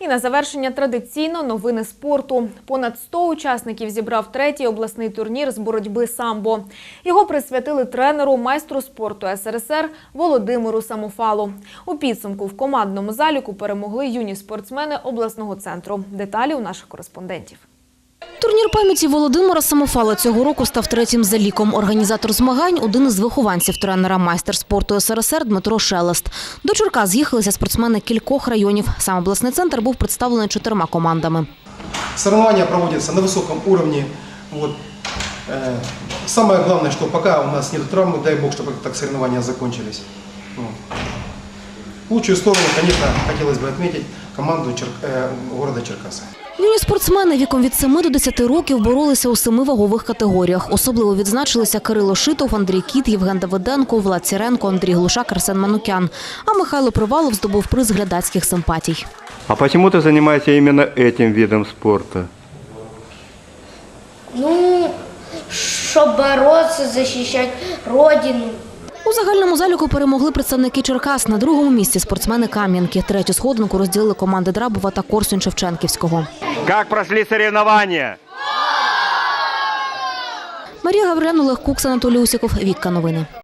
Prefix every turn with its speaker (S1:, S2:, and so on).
S1: І на завершення традиційно новини спорту. Понад 100 учасників зібрав третій обласний турнір з боротьби самбо. Його присвятили тренеру, майстру спорту СРСР Володимиру Самофалу. У підсумку в командному заліку перемогли юні спортсмени обласного центру. Деталі у наших кореспондентів.
S2: Турнір пам'яті Володимира Самофала цього року став третім за ліком. Організатор змагань – один із вихованців тренера, майстер спорту СРСР Дмитро Шелест. До Черкас з'їхалися спортсмени кількох районів. Сам обласний центр був представлений 4 командами.
S3: Соревнования проводятся на высоком уровне. Самое главное, что пока у нас нет травмы, дай бог, чтобы так соревнования закончились. Лучшую сторону, конечно, хотелось бы отметить команду города Черкасы.
S2: Юні спортсмени віком від 7 до 10 років боролися у 7 вагових категоріях. Особливо відзначилися Кирило Шитов, Андрій Кіт, Євген Давиденко, Влад Сіренко, Андрій Глушак, Арсен Манукян. А Михайло Привалов здобув приз глядацьких симпатій.
S4: А почему ты занимаешься именно этим видом спорта?
S5: Щоб боротися, захищати родину.
S2: У загальному заліку перемогли представники Черкас. На другому місці спортсмени Кам'янки. Третю сходинку розділили команди Драбова та Корсунь-Шевченківського.
S4: Как прошли соревнования?
S2: Марія Гаврилівна, Олег Кукс, Анатолій Усіков. Вікка новини.